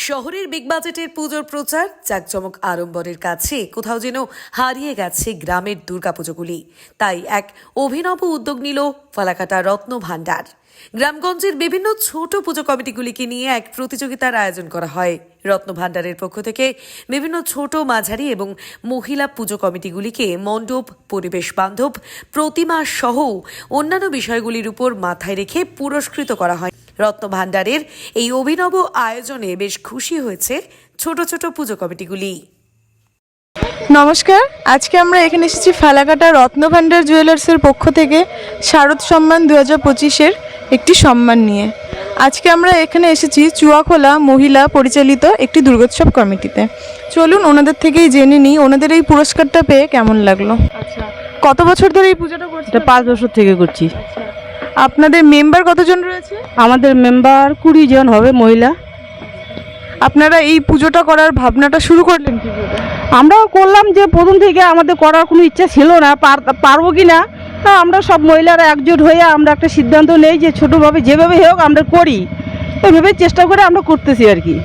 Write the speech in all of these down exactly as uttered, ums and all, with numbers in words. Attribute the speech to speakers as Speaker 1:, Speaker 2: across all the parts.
Speaker 1: শহরের বিগ বাজেটের পুজোর প্রচার জাঁকজমক আড়ম্বরের কাছে কোথাও যেন হারিয়ে গেছে গ্রামের দুর্গাপুজোগুলি। তাই এক অভিনব উদ্যোগ নিল ফালাকাটা রত্ন ভাণ্ডার। গ্রামগঞ্জের বিভিন্ন ছোট পুজো কমিটিগুলিকে নিয়ে এক প্রতিযোগিতার আয়োজন করা হয়। রত্ন ভাণ্ডারের পক্ষ থেকে বিভিন্ন ছোট মাঝারি এবং মহিলা পুজো কমিটিগুলিকে মণ্ডপ, পরিবেশ বান্ধব প্রতিমা সহ অন্যান্য বিষয়গুলির উপর মাথায় রেখে পুরস্কৃত করা হয়। রত্ন ভাণ্ডারের এই অভিনব আয়োজনে বেশ খুশি হয়েছে ছোট ছোট পুজো কমিটিগুলি।
Speaker 2: নমস্কার, আজকে আমরা এখানে এসেছি ফালাকাটা রত্ন ভাণ্ডার জুয়েলার্সের পক্ষ থেকে শারদ সম্মান দু হাজার পঁচিশের একটি সম্মান নিয়ে। আজকে আমরা এখানে এসেছি চুয়াখোলা মহিলা পরিচালিত একটি দুর্গোৎসব কমিটিতে। চলুন ওনাদের থেকেই জেনে নিই ওনাদের এই পুরস্কারটা পেয়ে কেমন লাগলো। আচ্ছা, কত বছর ধরে এই পুজোটা করছেন?
Speaker 3: এটা পাঁচ বছর থেকে করছি।
Speaker 2: আপনাদের মেম্বার কতজন রয়েছে?
Speaker 3: আমাদের মেম্বার কুড়ি জন হবে মহিলা।
Speaker 2: আপনারা এই পুজোটা করার ভাবনাটা শুরু করলেন কি করে?
Speaker 3: আমরাও করলাম যে প্রথম থেকে আমাদের করার কোনো ইচ্ছা ছিল না, পারবো কি না, তা আমরা সব মহিলারা একজোট হয়ে আমরা একটা সিদ্ধান্ত নেই যে ছোটোভাবে যেভাবে হোক আমরা করি, এইভাবে চেষ্টা করে আমরা করতেছি আর কি।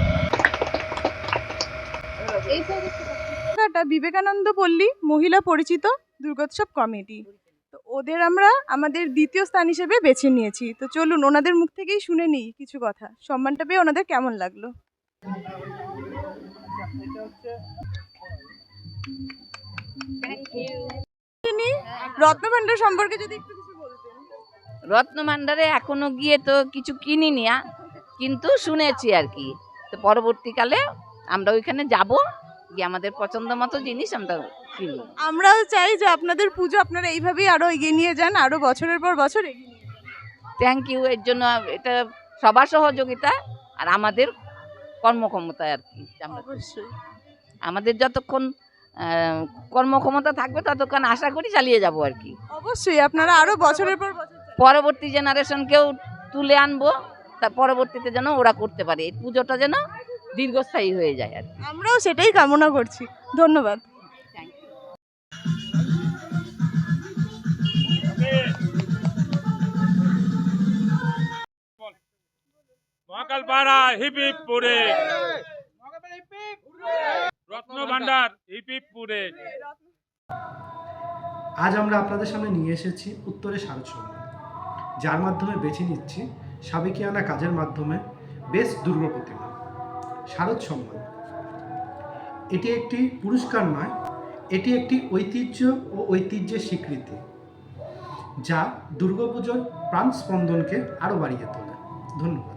Speaker 2: বিবেকানন্দ পল্লী মহিলা পরিচিত দুর্গোৎসব কমিটি, তো ওদের আমরা আমাদের দ্বিতীয় স্থান হিসেবে বেছে নিয়েছি। তো চলুন ওনাদের মুখ থেকেই শুনে নিই কিছু কথা। সম্মানটা পেয়ে ওনাদের কেমন লাগলো? রত্ন ভাণ্ডার সম্পর্কে যদি একটু কিছু বলতেন।
Speaker 4: রত্ন ভাণ্ডারে এখনো গিয়ে তো কিছু কিনিনি, কিন্তু শুনেছি আর কি। তো পরবর্তীকালে আমরা ওইখানে যাব, গিয়ে আমাদের পছন্দ মতো জিনিস আমরা কিনব।
Speaker 2: আমরাও চাই যে আপনাদের পুজো আপনারা এইভাবেই আরো এগিয়ে নিয়ে যান, আরো বছরের পর বছর এগিয়ে নিয়ে যান।
Speaker 4: Thank you. এর জন্য এটা সবার সহযোগিতা আর আমাদের কর্মক্ষমতা আর কি।
Speaker 2: অবশ্যই
Speaker 4: আমাদের যতক্ষণ কর্মক্ষমতা থাকবে ততক্ষণ আশা করি চালিয়ে যাব আর কি।
Speaker 2: অবশ্যই আপনারা আরো বছরের পর বছর
Speaker 4: পরবর্তী জেনারেশনকেও তুলে আনবো, তা পরবর্তীতে যেন ওরা করতে পারে, এই পুজোটা যেন দীর্ঘস্থায়ী হয়ে যায় আর কি।
Speaker 2: আমরাও সেটাই কামনা করছি। ধন্যবাদ।
Speaker 5: মহাকালপাড়া হিপ হিপ পুরে, রত্ন ভাণ্ডার হিপ হিপ পুরে।
Speaker 6: আজ আমরা আপনাদের সামনে নিয়ে এসেছি উত্তরে শারদ সম্মান, যার মাধ্যমে বেছে নিচ্ছি সাবেকিয়ানা কাজের মাধ্যমে বেস্ট দুর্গা প্রতিমা। শারদ সম্মান এটি একটি পুরস্কার নয়, এটি একটি ঐতিহ্য ও ঐতিহ্যের স্বীকৃতি, যা দুর্গাপুজোর প্রাণ স্পন্দনকে আরও বাড়িয়ে তোলে। ধন্যবাদ।